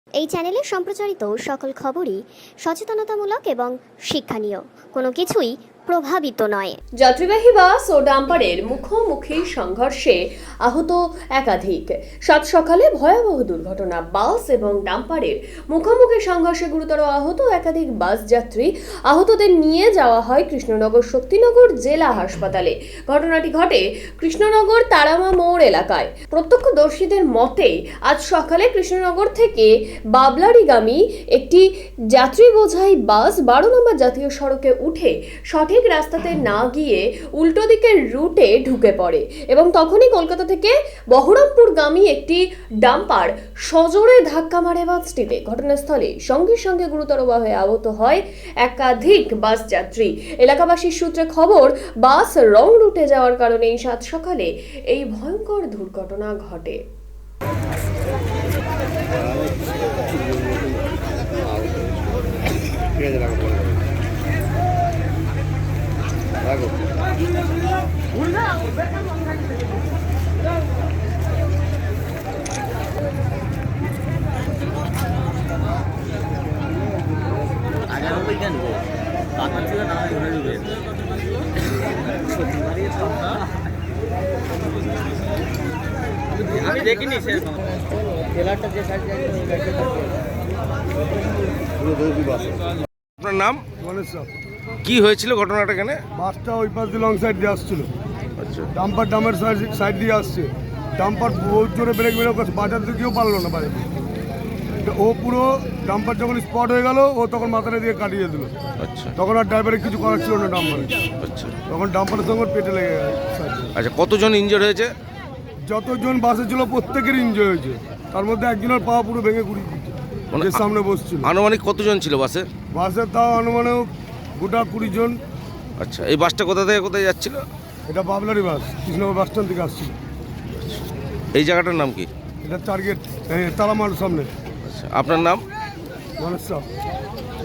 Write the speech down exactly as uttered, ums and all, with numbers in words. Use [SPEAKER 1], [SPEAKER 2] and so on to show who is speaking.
[SPEAKER 1] এই চ্যানেলে সম্প্রচারিত সকল খবরই সচেতনতামূলক এবং শিক্ষণীয়, কোনো কিছুই প্রভাবিত নয়।
[SPEAKER 2] যাত্রীবাহী বাস ও ডাম্পারের মুখোমুখি সংঘর্ষে আহত একাধিক। সাত সকালে ভয়াবহ দুর্ঘটনা। বাস এবং ডাম্পারের মুখোমুখি সংঘর্ষে গুরুতর আহত একাধিক বাস যাত্রী। আহতদের নিয়ে যাওয়া হয় কৃষ্ণনগর শক্তিনগর জেলা হাসপাতালে। ঘটনাটি ঘটে কৃষ্ণনগর তারামা মোড় এলাকায়। প্রত্যক্ষদর্শীদের মতে আজ সকালে কৃষ্ণনগর থেকে বাবলারিগামী একটি যাত্রী বোঝাই বাস বারো নম্বর জাতীয় সড়কে উঠে সঠিক রাস্তাতে না গিয়ে উল্টো দিকের রুটে ঢুকে পড়ে এবং তখনই কলকাতা থেকে বহরমপুরগামী একটি ডাম্পার সজোরে ধাক্কা মারে বাসটিতে। ঘটনাস্থলে সঙ্গে সঙ্গে গুরুতরভাবে আহত হয় একাধিক বাস যাত্রী। এলাকাবাসীর সূত্রে খবর, বাস রং রুটে যাওয়ার কারণে এই সাত সকালে এই ভয়ঙ্কর দুর্ঘটনা ঘটে।
[SPEAKER 3] আমি দেখিনি শেষ ট্রেলারটা যে সাইড যায় ওই গাড়িটা থাকে পুরো দৌড়ি বাস।
[SPEAKER 4] আপনার নাম?
[SPEAKER 5] গণেশ সাহ।
[SPEAKER 4] কি হয়েছিল ঘটনাটা? এখানে
[SPEAKER 5] বাসটা ওই পাশ দিয়ে লং সাইড দিয়ে আসছিল,
[SPEAKER 4] আচ্ছা
[SPEAKER 5] ডাম্পার ডামের সাইড দিয়ে আসছে। ডাম্পার বহুত জোরে ব্রেক মেরে করছে, বাজার দিকেও পারলো না বাইরে। ও পুরো ডাম্পার যখন স্পট হয়ে গেল, ও তখন মাথাটা দিয়ে কাটিয়ে দিল।
[SPEAKER 4] আচ্ছা
[SPEAKER 5] তখন আর ড্রাইভারের কিছু করার ছিল না ডাম্পারে।
[SPEAKER 4] আচ্ছা
[SPEAKER 5] তখন ডাম্পারের সঙ্গে ওর পেটে লেগে গেছে।
[SPEAKER 4] আচ্ছা কতজন ইনজোর হয়েছে?
[SPEAKER 5] যতজন বাসে ছিল প্রত্যেকের ইনজয় হয়েছে, তার মধ্যে একজনের পা পুরো ভেঙে গুড়ি দিচ্ছে,
[SPEAKER 4] মানে
[SPEAKER 5] যে সামনে বসছিল।
[SPEAKER 4] আনুমানিক কতজন ছিল বাসে?
[SPEAKER 5] বাসে তাও অনুমানে গোটা কুড়ি জন।
[SPEAKER 4] আচ্ছা এই বাসটা কোথা থেকে কোথায় যাচ্ছিল?
[SPEAKER 5] এটা বাবলারি বাস, কৃষ্ণনগর বাস স্ট্যান্ড থেকে আসছিল।
[SPEAKER 4] এই জায়গাটার নাম কি?
[SPEAKER 5] এটা টার্গেট তারামার সামনে।
[SPEAKER 4] আচ্ছা আপনার নাম?
[SPEAKER 5] গণেশ সাহ।